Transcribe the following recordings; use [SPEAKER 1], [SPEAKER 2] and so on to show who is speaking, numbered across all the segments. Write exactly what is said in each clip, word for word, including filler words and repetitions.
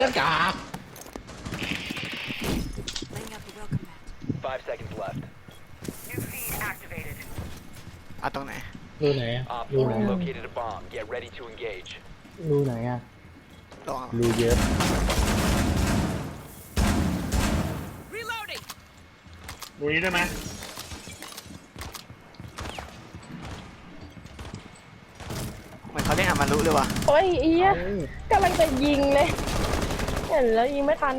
[SPEAKER 1] เจ้าจ๋า
[SPEAKER 2] Five seconds left.
[SPEAKER 3] New feed activated.
[SPEAKER 4] เอาตรงไหน
[SPEAKER 1] รูไหนอะ
[SPEAKER 2] Op
[SPEAKER 1] รู
[SPEAKER 2] four
[SPEAKER 1] ไหน
[SPEAKER 2] has
[SPEAKER 1] อะ
[SPEAKER 2] located a bomb. Get ready to engage.
[SPEAKER 1] รูไหนอะ
[SPEAKER 4] ลอง
[SPEAKER 1] รูเยอะ
[SPEAKER 3] Reloading.
[SPEAKER 5] ดูนี้ได้ไหม
[SPEAKER 4] เหมือนเขาเรียกอามารุเลยว่ะ
[SPEAKER 6] โอ้ยเอียกำลังจะยิงเลยเห็นแล้วยิงไม่ทัน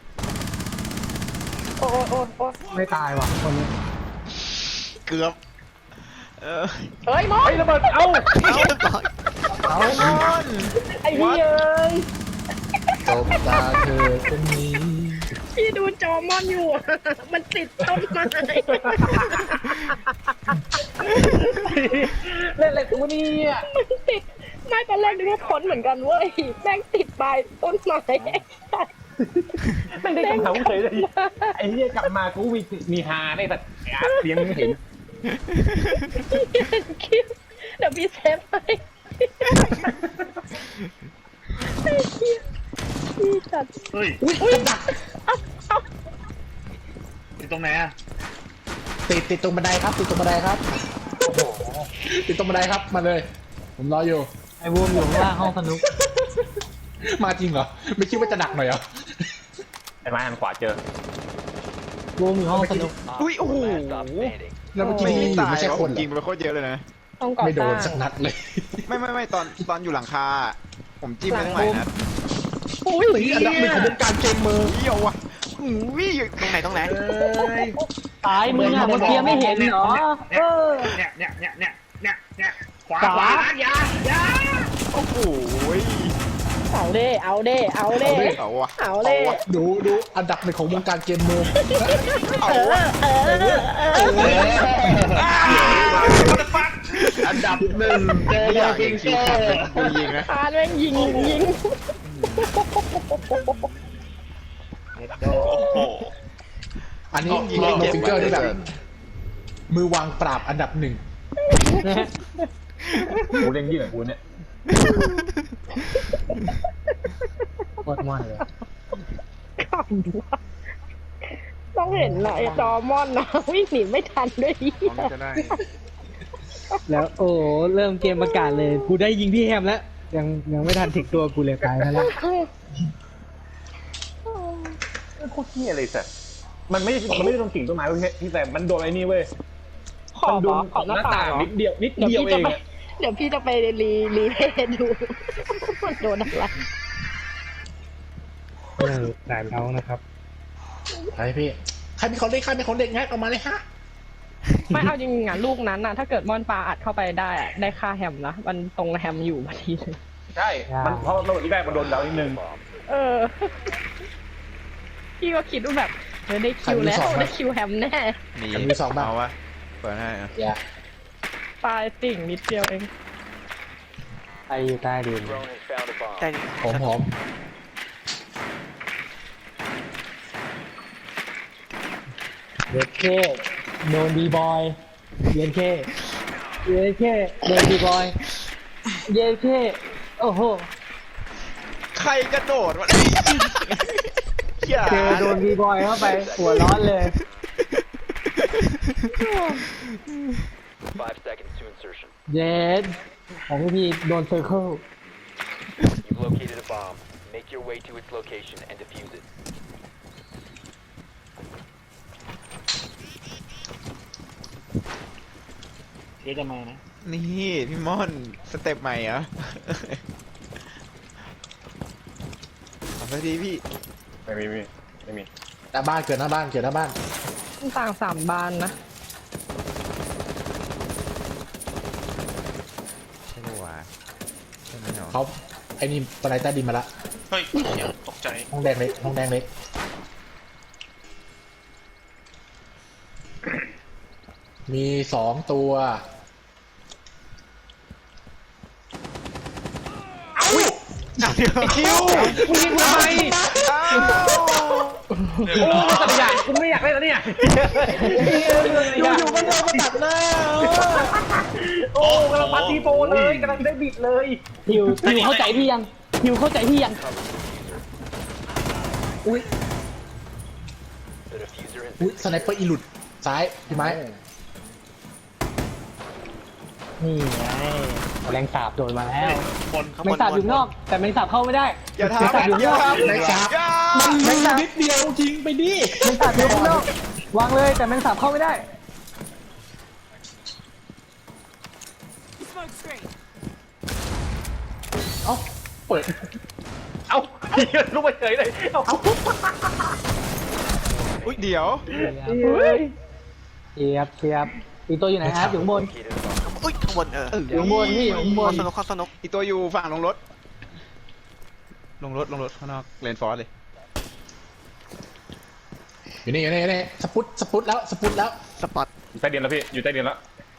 [SPEAKER 6] โอ้โอ้โอ้
[SPEAKER 1] ไม่ตายว่ะคนนี้
[SPEAKER 4] เกือบเออ
[SPEAKER 6] เฮ้ยมอ
[SPEAKER 1] ไอ้
[SPEAKER 6] น
[SPEAKER 1] ระเบิดเอ้า
[SPEAKER 4] เอาเรียบร้อย
[SPEAKER 1] เอามอน
[SPEAKER 6] ไอ้พี่เอ้ย
[SPEAKER 1] ตบตาเธอคนนี้
[SPEAKER 6] พี่ดูจอมอนอยู่อะมันติดต้นไม้
[SPEAKER 1] เล่นอะไรกูนี่อ่ะ
[SPEAKER 6] มันติดไม่ตอนแรกนึกว่าพ้นเหมือนกันเว้ยแม่งติดปลายต้นไม้
[SPEAKER 1] ไม่ได้กำเท้าเฉยเลยไอ้เหี้ยกลับมากูมีมีฮาได้แต่เสียงไม่เห็น
[SPEAKER 6] คิวเดี๋ยวพี่เซฟให้ไอ้เหี้ยพี่จัด
[SPEAKER 5] เฮ้ย
[SPEAKER 6] อุ้ยเอ้าเอ้า
[SPEAKER 5] อยู่ตรงไหนอะ
[SPEAKER 1] ติดติดตรงบันไดครับติดตรงบันไดครับติดตรงบันไดครับมาเลย ผมรออยู่
[SPEAKER 7] ไอ้บูมอยู่ข้างล่างห้องสนุก
[SPEAKER 1] มาจริงเหรอไม่คิดว่าจะดักหน่อยเหรอ
[SPEAKER 5] ไอ้ไม้หันขวาเจอ
[SPEAKER 7] บูมอยู่ห้องสนุก
[SPEAKER 2] Op
[SPEAKER 4] อุ้ยโอ้โห
[SPEAKER 2] four last stop standing.
[SPEAKER 1] แล้วเมื่อกี้
[SPEAKER 4] ไม่
[SPEAKER 1] นี่
[SPEAKER 4] ตาย
[SPEAKER 1] ไม่ใช่คนเหร
[SPEAKER 4] ยิง
[SPEAKER 1] อ
[SPEAKER 4] ไปโคตรเยอะเลยนะ
[SPEAKER 6] ต้องก่อ
[SPEAKER 1] ไม่โด
[SPEAKER 6] สร้าน ง
[SPEAKER 1] สักนัดเลย
[SPEAKER 4] ไม่ไม่ไม่ตอนตอนอยู่หลังคา ผมจิ้มไปทั้งหลายนัด
[SPEAKER 6] อุ้ย
[SPEAKER 1] ตีอันดับหนึ่งของวงการเกมเมอร์
[SPEAKER 4] เยี่ยวว่ะหูยตรงไหนตรงไหน
[SPEAKER 7] ตายมึงอะเมื่อกี้ไม่เห็นเหรอ เออ
[SPEAKER 5] เนี่ยเนี่ยเนี่ยเนี่ยเนี่ยเนี่ยขวา
[SPEAKER 7] ขวา
[SPEAKER 5] ขวาอย่าอย่า
[SPEAKER 4] โอ้โหย
[SPEAKER 6] เอาเด้เอาเด้เอาเด้
[SPEAKER 4] เอาวะ
[SPEAKER 6] เอาเด้
[SPEAKER 1] ดูดูอันดับหนึ่งของวงการเกมเมอร์
[SPEAKER 4] เอา
[SPEAKER 6] เอ
[SPEAKER 4] วะ
[SPEAKER 6] อเออเออเออ
[SPEAKER 5] อันดับหนึ่งเจอ
[SPEAKER 4] ไม่อยาก
[SPEAKER 5] จริ
[SPEAKER 4] ยิ
[SPEAKER 5] ง
[SPEAKER 4] ง
[SPEAKER 5] เจ
[SPEAKER 4] ชี
[SPEAKER 5] อ
[SPEAKER 4] พเลยกูยิงนะ
[SPEAKER 6] พานแม่งยิงยิง
[SPEAKER 4] โอ้โห
[SPEAKER 1] อันนี้ยิงโนฟิงเกอร์ได้แบบมือวางปราบอันดับหนึ่ง
[SPEAKER 5] กูเล่นยี่หน่อยกูเนี่ย
[SPEAKER 1] โคตรมันเลย
[SPEAKER 6] ต้องเห็นหน่อยจอมอนนะวิ่งหนีไม่ทันด้วยอีก
[SPEAKER 4] น้องจะได้
[SPEAKER 7] แล้วโอ้โหเริ่มเกมประกาศเลย กูได้ยิงพี่แฮมแล้ว ยังยังไม่ทันถึงตัวกูเลยตายแล้ว
[SPEAKER 5] โคตรเหี้ยเลยสัสมันไม่มันไม่ได้โดนกิ่งต้นไม้เว้ยพี่แต่มันโดนไอ้นี่เว้ย
[SPEAKER 6] ขอ
[SPEAKER 5] มัน
[SPEAKER 6] บ
[SPEAKER 5] โด
[SPEAKER 6] อน ขอบหน้าต่าง
[SPEAKER 5] นิดเดียวนิด
[SPEAKER 6] เดี๋ยว
[SPEAKER 5] เดียว
[SPEAKER 6] พี่
[SPEAKER 5] เอ
[SPEAKER 6] จะ
[SPEAKER 5] ง
[SPEAKER 6] ไป
[SPEAKER 5] อะ
[SPEAKER 6] เดี๋ยวพี่จะไปรีรีเพย์ดูมันโดนอะไร
[SPEAKER 7] เออด่านเขานะครับ
[SPEAKER 1] ใครพี่ใครมีของเด็กใครมีของเด็กงัดออกมาเลยฮะ
[SPEAKER 6] ไม่เอาจริงๆอ่ะลูกนั้นน่ะถ้าเกิดมอนปลาอัดเข้าไปได้อะได้ค่าแฮมนะมันตรงแฮมอยู่พอดีเลย
[SPEAKER 5] ใช่มันเพราะระเบิดที่แรกมันโดนดาวนิดนึง
[SPEAKER 6] เออพี่ก็คิดว่าแบบเออได้คิวแล้วได้คิวแฮมแน่
[SPEAKER 4] หนี
[SPEAKER 1] มีสองบ้าง
[SPEAKER 4] เอาวะเปิดให้อะ
[SPEAKER 1] อย่า
[SPEAKER 6] ปลายติ่งนิดเดียวเอง
[SPEAKER 7] ใครอยู่ใต้ดิน
[SPEAKER 2] Drone has found a bomb.
[SPEAKER 4] ได้ดิ
[SPEAKER 1] ผมผม
[SPEAKER 7] เย็นเคโดนดีบอยเย็นเคเย็นเคโดนดีบอยเย็นเคโอ้โห
[SPEAKER 4] ใครกระโดดวะอย่า
[SPEAKER 7] เจอโดนดีบอยเข้าไปหัวร้อนเลย
[SPEAKER 2] Five seconds to insertion.
[SPEAKER 7] เย็นของพี่โดนเซอร์เคิล
[SPEAKER 2] You've located a bomb. Make your way to its location and defuse it.
[SPEAKER 5] เดี๋ยวจะมานะ
[SPEAKER 4] นี่พี่ม่อนสเต็ปใหม่เหรอเอาไปดีพี่
[SPEAKER 5] ไม่มีไม่มีไม่มี
[SPEAKER 1] หน้าบ้านเกิดหน้าบ้านเกิดหน้าบ้าน
[SPEAKER 6] ต่างสามบานนะ
[SPEAKER 4] ใช่ไหมวะใช่ไหมเหรอ
[SPEAKER 1] เขาไอ้นี่ตะไลใต้ดินมาละ
[SPEAKER 5] เฮ้ยเดี๋ยวตกใจ
[SPEAKER 1] ห้องแดงเล็กห้องแดงเล็กมีสองตัว
[SPEAKER 4] คิว
[SPEAKER 5] กูยิงทำไมโอ้ตัดใหญ่กูไม่อยากเล่นแล้วเนี่ยอยู่ๆมันโดนมาตัดหน้าโอ้กำลังปาตีโปเลยกำลังได้บิดเลย
[SPEAKER 7] ฮิวฮิวเข้าใจพี่ยังฮิวเข้าใจพี่ยังอุ้ย
[SPEAKER 2] The diffuser has
[SPEAKER 5] อุ้ย
[SPEAKER 2] been
[SPEAKER 5] สไนเปอร์อีหลุดซ้ายพี่ไม้
[SPEAKER 7] นี่ไงแมลงสาบโดนมาแล้ว
[SPEAKER 5] บน
[SPEAKER 4] ข้าง
[SPEAKER 7] แม
[SPEAKER 4] บ
[SPEAKER 7] ง
[SPEAKER 4] น
[SPEAKER 7] สาบอยู่นอก แต่แมงสาบเข้าไม่ได้
[SPEAKER 4] อย่า
[SPEAKER 7] แมงสาบ
[SPEAKER 4] ทำ
[SPEAKER 7] อยู่
[SPEAKER 4] อย่าน
[SPEAKER 7] อก
[SPEAKER 4] ทำ
[SPEAKER 5] แมงสาบ
[SPEAKER 4] อย่า
[SPEAKER 5] มันมีนิดเดียวยิงไปดิ
[SPEAKER 7] แมงสาบอยู่ข้างนอกวางเลยแต่แมงสาบเข้าไม่ได้
[SPEAKER 3] Smoke screen.
[SPEAKER 5] เอ้าเปิด
[SPEAKER 1] เอ้าเหี้ยลุกไปเฉยเลยเอ้า
[SPEAKER 4] อุ้ยเดี๋ยว
[SPEAKER 7] เชียบเชียบอีกตัวอยู่ไหนครับอยู่ข้างบน
[SPEAKER 2] located a bomb.
[SPEAKER 4] อุ้ยข้างบนเออ
[SPEAKER 7] อยู่ข้างบนพี่อยู่ข้างบน
[SPEAKER 4] ข้อสนุกข้อสนุกอีกตัวอยู่ฝั่งลงรถ ลงรถลงรถข้างนอกเลนฟอร์สเลย
[SPEAKER 5] อยู่นี่อยู่นี่อยู่นี่สปุตสปุตแล้วสปุตแล้ว
[SPEAKER 4] สปอต
[SPEAKER 1] อยู่ใต้ดินแล้วพี่อยู่ใต้ดินแล้ว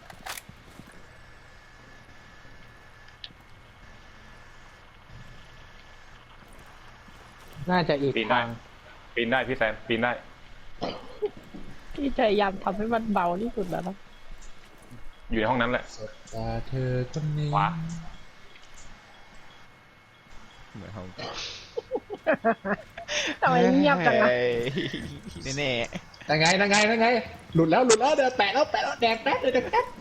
[SPEAKER 7] น่าจะอีก
[SPEAKER 1] ปีนได้
[SPEAKER 7] ทาง
[SPEAKER 1] ปีนได้พี่แซมปีนได้
[SPEAKER 6] พี่พยายามทำให้มันเบาที่สุดแล้วนะ
[SPEAKER 1] อยู่ในห้องนั้นแหละ
[SPEAKER 5] ตาเธอคนนี้
[SPEAKER 1] ขวา
[SPEAKER 4] เหมือนเขา
[SPEAKER 6] ทำไมเงียบจังนะ
[SPEAKER 4] เฮ้ยแน่
[SPEAKER 5] ยังไงยังไงยังไงหลุดแล้วหลุดแล้วเดี๋ยวแปะแล้วแปะแล้วแดกแป๊บเลยแดกแป๊บ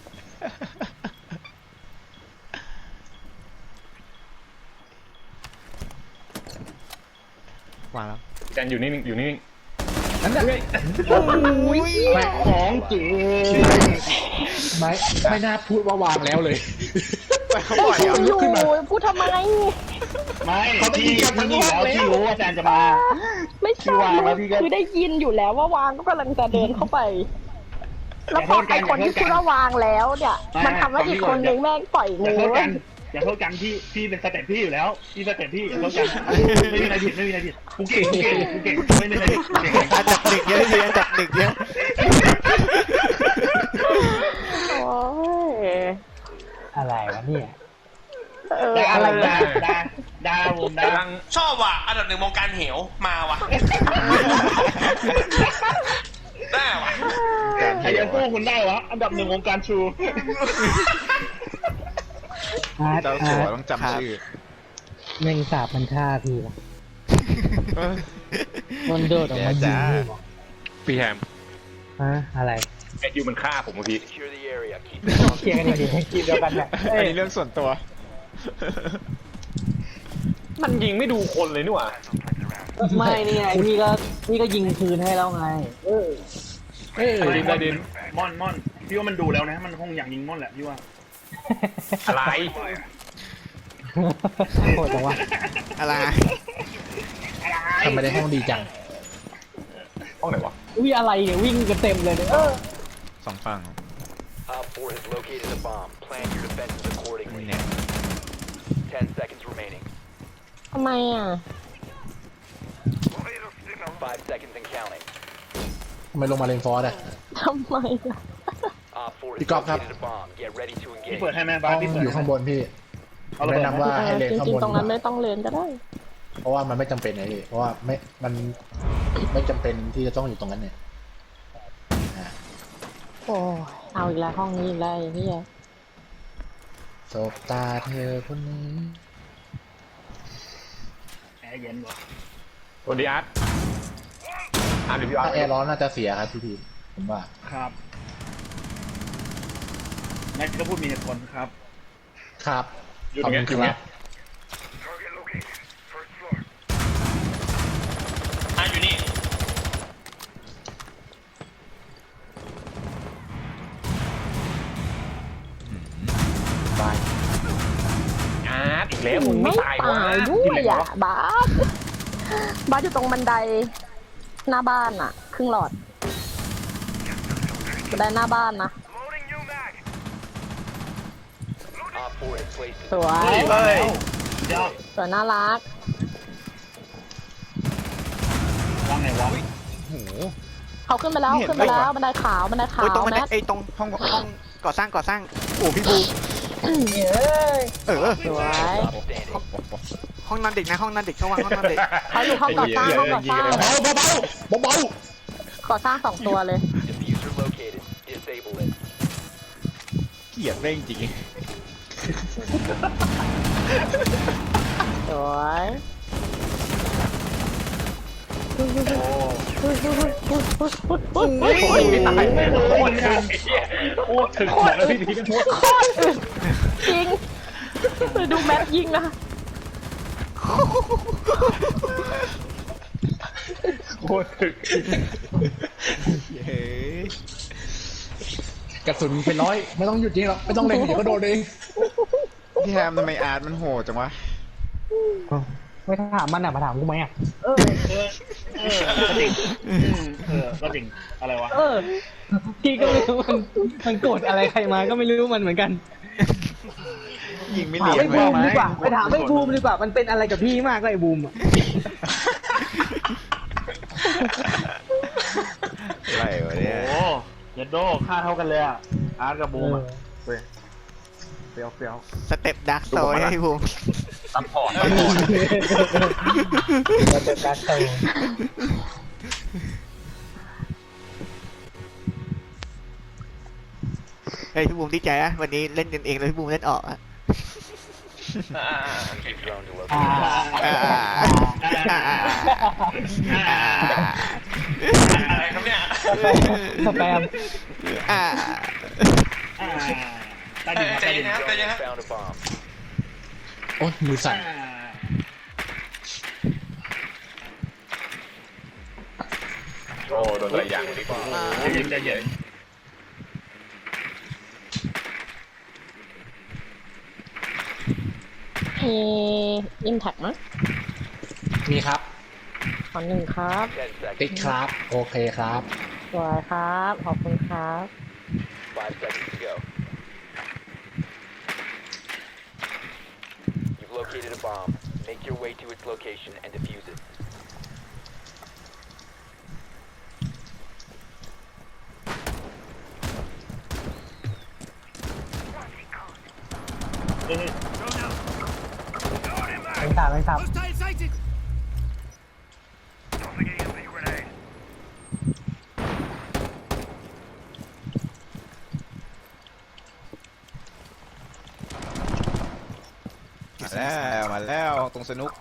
[SPEAKER 4] ๆวางแล้ว
[SPEAKER 1] แซมอยู่นิ่งๆอยู่นิ่ง
[SPEAKER 5] นั่นแหละ
[SPEAKER 7] แม่ของจริง
[SPEAKER 5] ไม่ไม่น่าพูดว่าวางแล้วเลย
[SPEAKER 4] ไปเขาบ่อยอ่ะ
[SPEAKER 6] อยู่พูดทำไม
[SPEAKER 5] ไม่
[SPEAKER 7] เขาได้ยินกันทั้งห้องแล้วที่รู้ว่าอาจารย์จะมา
[SPEAKER 6] ไม่ใช่
[SPEAKER 7] วางแล้วพี่ก็
[SPEAKER 6] คือได้ยินอยู่แล้วว่าวางก็กำลังจะเดินเข้าไป แล้วพอไอคนที่พูดว่าวางแล้วเนี่ย มันทำให้อีกคนนึงแม่งปล่อย
[SPEAKER 7] อย่า
[SPEAKER 6] มื
[SPEAKER 7] โท
[SPEAKER 6] อ
[SPEAKER 7] ษกันอย่าโทษกันพี่พี่เป็นสเต็ปพี่อยู่แล้วพี่สเต็ปพี่อย่าโทษกันไม่มีอะไรผิดไม่มีอะไรผิดกูเก่งกูเก่งกูเก่งไม่มีอะไรผิดกูเก่ง
[SPEAKER 4] อันดับหนึ่งเยอะเลยอันดับหนึ่งเยอะ
[SPEAKER 6] โอ้ย
[SPEAKER 7] อะไรวะเนี่ย
[SPEAKER 6] เอออะไร
[SPEAKER 7] ดา
[SPEAKER 6] นะ
[SPEAKER 7] ดาดาวผม
[SPEAKER 1] ๆ
[SPEAKER 7] ดาก
[SPEAKER 1] ำลัง
[SPEAKER 8] ชอบว่ะอันดับหนึ่งวงการเหวมาว่ะ ได้ว่ะ
[SPEAKER 7] ใครจะสู้คุณได้วะอันดับหนึ่งวงการชู
[SPEAKER 4] เจ้าสัวต้องจำชื่อ
[SPEAKER 7] แมงสาบมันฆ่าพี่วะมันโดดออกมายิงพี่วะ
[SPEAKER 1] พี่แฮม
[SPEAKER 7] ฮะอะไร
[SPEAKER 1] ไอคิวมันฆ่าผมเมื่อกี้
[SPEAKER 2] Secure the area. Keep
[SPEAKER 7] เคลียร์กันดีๆคิดเดียวกันแหละ
[SPEAKER 4] อันนี้เรื่องส่วนตัว
[SPEAKER 1] มันยิงไม่ดูคนเลยนี่หว่า
[SPEAKER 7] ไม่นี่ไงพี่ก็พี่ก็ยิงคืนให้แล้วไง เออ
[SPEAKER 5] เอ้ย
[SPEAKER 1] ใต้ดินใต้ดิน
[SPEAKER 9] ม่อนม่อนพี่ว่ามันดูแล้วนะ มันคงอยากยิงม่อนแหละพี่ว่า
[SPEAKER 1] อะไร
[SPEAKER 7] โหดจังวะ
[SPEAKER 4] อะไร
[SPEAKER 5] ทำไมได้ห้องดีจัง
[SPEAKER 1] ห้องไหนวะ
[SPEAKER 7] วิ่งอะไรเนี่ยวิ่งกันเต็มเลยเนี่ยเออ
[SPEAKER 4] สองฝั่ง
[SPEAKER 2] Op four has located a bomb. Plan your defenses
[SPEAKER 4] นี่
[SPEAKER 2] accordingly.
[SPEAKER 4] เนี่ย
[SPEAKER 2] Ten seconds remaining.
[SPEAKER 6] ทำไมอ่ะ
[SPEAKER 2] Five seconds and counting.
[SPEAKER 5] ทำไมลงมาเลนฟอร์ดอะ
[SPEAKER 6] ทำไมอ่ะ
[SPEAKER 2] Op four has
[SPEAKER 5] Pick up,
[SPEAKER 2] located a bomb. Get ready to
[SPEAKER 9] พี่
[SPEAKER 2] engage.
[SPEAKER 9] เปิดให้แม่
[SPEAKER 5] ห้
[SPEAKER 9] บ้า
[SPEAKER 5] อน ง
[SPEAKER 9] พี่เปิด
[SPEAKER 5] อยู่ข้างบนพี่
[SPEAKER 9] เอาระเบิ
[SPEAKER 5] แนะ
[SPEAKER 9] ด
[SPEAKER 5] นำว่าให้เลน
[SPEAKER 6] จ
[SPEAKER 5] ข้าง
[SPEAKER 6] ริง
[SPEAKER 5] บน
[SPEAKER 6] ๆตรงนั้นไม่ต้องเรียนก็ได้
[SPEAKER 5] เพราะว่ามันไม่จำเป็นไงพี่เพราะว่าไม่มันไม่จำเป็นที่จะต้องอยู่ตรงนั้นเนี่ยอ่ะ
[SPEAKER 6] โอ้ยเอาอีกแล้วห้องนี้อีกแล้วไอ้เหี้ย
[SPEAKER 5] สบตาเธอคนนี้
[SPEAKER 9] แอร์เย็นกว่า
[SPEAKER 1] สวัสดีอาร์ตอาร์ตหรือพี่อาร์
[SPEAKER 5] ถ้า
[SPEAKER 1] ต
[SPEAKER 5] แอร์ร้อนน่าจะเสียครับพี่พีผมว่า
[SPEAKER 9] ครับแม็กก็พูดมีเหตุผลครับ
[SPEAKER 5] ครับ
[SPEAKER 1] อยู่ตรงเนี้ยอยู่ตรงเนี้ย
[SPEAKER 8] อ่ะอยู่นี่
[SPEAKER 5] บาย
[SPEAKER 1] อาร์ตอีกแล้วมึง
[SPEAKER 6] ไม่
[SPEAKER 1] ไม่ตายวะ
[SPEAKER 6] ตายด้วยอ่ะบาสบาสอยู่ตรงบันไดหน้าบ้านอ่ะ ครึ่งหลอดบันไดหน้าบ้านนะ
[SPEAKER 2] Op four has placed
[SPEAKER 6] ส
[SPEAKER 2] a
[SPEAKER 6] วย
[SPEAKER 4] เฮ้ย
[SPEAKER 9] เดี๋ยว
[SPEAKER 6] สวยน่ารัก
[SPEAKER 9] วางไหนวะ
[SPEAKER 4] โอ้โห
[SPEAKER 6] เขาขึ้นไปแล้ว
[SPEAKER 4] ไม่เห็น
[SPEAKER 6] ขึ้นไปแล้
[SPEAKER 4] เล
[SPEAKER 6] วย
[SPEAKER 4] ว่ะ
[SPEAKER 6] บันไดขาวบันไดขา
[SPEAKER 4] เฮ้ยว ตรงมัน
[SPEAKER 6] แมท
[SPEAKER 4] ไอ้ตรงห้องห้องก่อสร้างก่อสร้าง โอ้พี่บูเออ
[SPEAKER 6] สวย
[SPEAKER 2] stop standing.
[SPEAKER 4] ห้องนอนเด็กนะห้องนอนเด็กเขาวางห้องนอนเด็ก
[SPEAKER 6] เขาอยู่ห้องก่อสร้างห้องก่อสร้าง
[SPEAKER 5] เบาเบาเบาเบา
[SPEAKER 6] ก่อสร้างสองตัวเลย
[SPEAKER 2] Diffuser located. Disable it.
[SPEAKER 4] เกลียดเร่งจริง
[SPEAKER 6] สวย
[SPEAKER 1] ไม่ตายไม่โคตรถึงไอ้เหี้ยโคตรถึงบอกแล้วพี่พีกันโคตร
[SPEAKER 6] โคตรอึดจริงไปดูแมปยิงนะ
[SPEAKER 1] โคตรถึง
[SPEAKER 4] เฮ้ย
[SPEAKER 5] กระสุนเป็นร้อยไม่ต้องหยุดยิงหรอกไม่ต้องเล็งเดี๋ยวก็โดนเอง
[SPEAKER 4] พี่แฮมทำไมอาร์ตมันโหดจังวะ
[SPEAKER 7] ไม่ถามมันอ่ะมาถามกูไหมอ่ะ
[SPEAKER 9] เออเออเออก็จริงเออก็จริงอะไรวะ
[SPEAKER 7] เออพี่ก็ไม่รู้มันมันโกรธอะไรใครมาก็ไม่รู้มันเหมือนกัน
[SPEAKER 4] ยิงไม่
[SPEAKER 7] ถาม
[SPEAKER 4] เลียน
[SPEAKER 7] ไอ้บูมดีกว่าไปถามไอ้บูมดีกว่ามันเป็นอะไรกับพี่มากเลยไอ้บูมอ่ะ
[SPEAKER 4] อะไรวะเนี่ย
[SPEAKER 9] โอ้ยัดโดค่าเท่ากันเลยอ่ะอาร์ตกับบูมอ่ะเว้ยเฟี้ยวเฟี้ยว
[SPEAKER 4] สเต็ปดักโซยให้ภูมิ
[SPEAKER 1] ซัพพอร์ต
[SPEAKER 7] เราจะการเติม
[SPEAKER 10] เฮ้ยพี่บูมดีใจนะวันนี้เล่นกันเองแล้วพี่บูมเล่นออกอะ
[SPEAKER 2] Keep drone to
[SPEAKER 7] อ่า
[SPEAKER 2] locate.
[SPEAKER 10] อ่าอ่าอ่า
[SPEAKER 8] อะไรครับเนี่ย
[SPEAKER 7] สแปม
[SPEAKER 10] อ่า
[SPEAKER 9] อ่าใต้
[SPEAKER 8] เอ
[SPEAKER 9] ดิน
[SPEAKER 8] อใจ
[SPEAKER 9] ใต้ดิ
[SPEAKER 8] เย็
[SPEAKER 9] น
[SPEAKER 8] นนะครับใจเย็นนะ
[SPEAKER 2] Found a bomb.
[SPEAKER 5] โอ้ยมือสั่น
[SPEAKER 9] อ่า
[SPEAKER 1] โอ้โดนอะไรอย่างนี้
[SPEAKER 9] ใจเย็นใจเย็น
[SPEAKER 6] มีอิมแท็กมั้ย
[SPEAKER 5] มีครับ
[SPEAKER 6] ขอหนึ่งครับ
[SPEAKER 2] Ten seconds.
[SPEAKER 5] ติ๊กครับ โอเคครับ
[SPEAKER 6] สวยครับ ขอบคุณครับ
[SPEAKER 2] Five seconds to go. You've located a bomb. Make your way to its location and defuse it.
[SPEAKER 9] เฮ้ย
[SPEAKER 7] เป็นสามเป็นสาม
[SPEAKER 4] มาแล้วมาแล้วตรงสนุก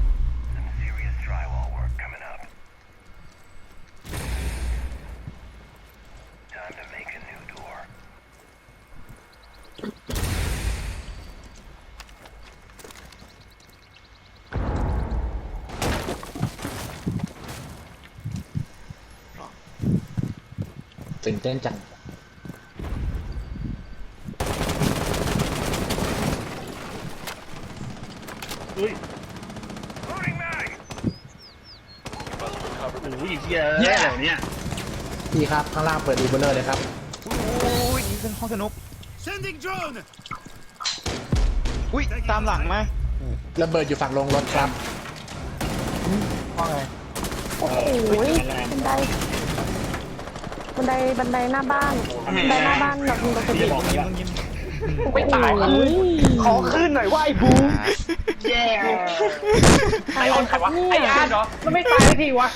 [SPEAKER 5] ตื่นเต้นจัง
[SPEAKER 9] เฮ้ย
[SPEAKER 2] Must recover
[SPEAKER 9] โอ้
[SPEAKER 2] the
[SPEAKER 9] โหเฮียเฮียอะไรเนี่ย
[SPEAKER 5] พี่ครับ ข้างล่างเปิดอีเบอร์เลอร์เลยครับ
[SPEAKER 4] อุ้ยนี่เป็นห้องสนุก อุ้ยตามหลังมา
[SPEAKER 5] ระเบิดอยู่ฝั่งลงรถครับ
[SPEAKER 7] ว่าไง
[SPEAKER 6] โอ้โหบันได บันได บันไดหน้าบ้าน บันไดหน้าบ้านแบบมีปก
[SPEAKER 9] พี่
[SPEAKER 6] ติ
[SPEAKER 9] จะบอกอย่างนี้ว่า
[SPEAKER 1] ไม่ตาย
[SPEAKER 7] ขอขึ้นหน่อยว่าไอ้บูม
[SPEAKER 9] แย่
[SPEAKER 6] อะไรครับเนี่
[SPEAKER 1] ไอ้
[SPEAKER 6] ย
[SPEAKER 1] อาร์ตเหรอมันไม่ตายทีวะ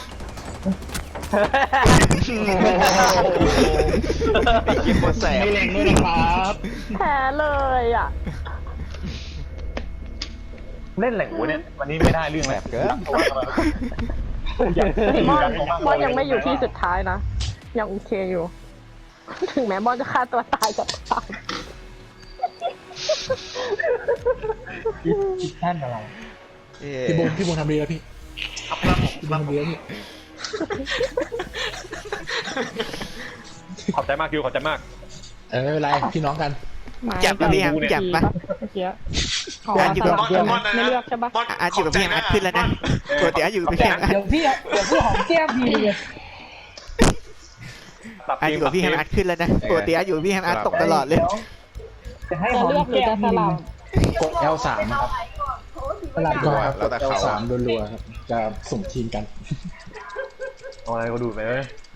[SPEAKER 4] ไอ้กินโคตรแสบ
[SPEAKER 9] ไม่แรงด้วยนะครับ
[SPEAKER 6] แพ้เลยอ่ะ
[SPEAKER 1] เล่นแหล่งหัวเนี่ยวันนี้ไม่ได้เรื่อง
[SPEAKER 4] แส
[SPEAKER 1] แล้ว
[SPEAKER 4] บเกิน
[SPEAKER 6] เฮ้ยบอลบอลยังไม่อยู่ที่สุดท้ายนะ ยังโอเคอยู่ ถึงแม้บอลจะฆ่าตัวตายกับตาย
[SPEAKER 7] คิดแท่นอะไร
[SPEAKER 4] เอ้
[SPEAKER 5] พี่บูมพี่บูมทำดีแล้วพี่
[SPEAKER 9] ครับผม
[SPEAKER 5] พี่
[SPEAKER 9] ค
[SPEAKER 5] บู
[SPEAKER 9] รั
[SPEAKER 5] ม
[SPEAKER 9] บผม
[SPEAKER 5] ทำดีแล้วพี่
[SPEAKER 1] ขอบใจมากคิวขอบใจมาก
[SPEAKER 5] เออไม่เป็นไร พี่น้องกัน
[SPEAKER 10] จับปะพี่แฮมจับปะ
[SPEAKER 6] เมื่อกี้ขอ
[SPEAKER 10] อ่ะอยู่
[SPEAKER 6] ส
[SPEAKER 10] กับ
[SPEAKER 6] ลับ
[SPEAKER 8] บอล
[SPEAKER 6] เดียว
[SPEAKER 8] บอลนะ
[SPEAKER 6] ไม่เลือกใช่ปะ
[SPEAKER 8] บอล
[SPEAKER 10] อาร์ตอยู่กับพี่แฮมอาร์ตขึ้นแล้วนะปกติอาร์ตอยู่กับพี่แฮมอาร์ต
[SPEAKER 7] เดี๋ยวพี่เดี๋ยวพี่หอมแก้มพี่เลย
[SPEAKER 10] อาร์ตอยู่กับพี่แฮมอาร์ตขึ้นแล้วนะปกติอาร์ตอยู่กับพี่แฮมอาร์ตตกตลอดเลย
[SPEAKER 7] จะให้
[SPEAKER 6] จะ
[SPEAKER 7] หอม
[SPEAKER 6] เลือกหรือ
[SPEAKER 7] แก้
[SPEAKER 6] จะ
[SPEAKER 7] ม
[SPEAKER 6] ส
[SPEAKER 7] พี่
[SPEAKER 6] ลับ
[SPEAKER 5] กด แอล สามครับ
[SPEAKER 7] สลับ
[SPEAKER 5] ก็
[SPEAKER 4] แล้วแต่
[SPEAKER 5] แอล
[SPEAKER 4] เขา
[SPEAKER 5] สามรัวๆครับ จะสุ่มทีมกัน
[SPEAKER 1] เอาอะไรก็ดูไปเลย
[SPEAKER 5] เ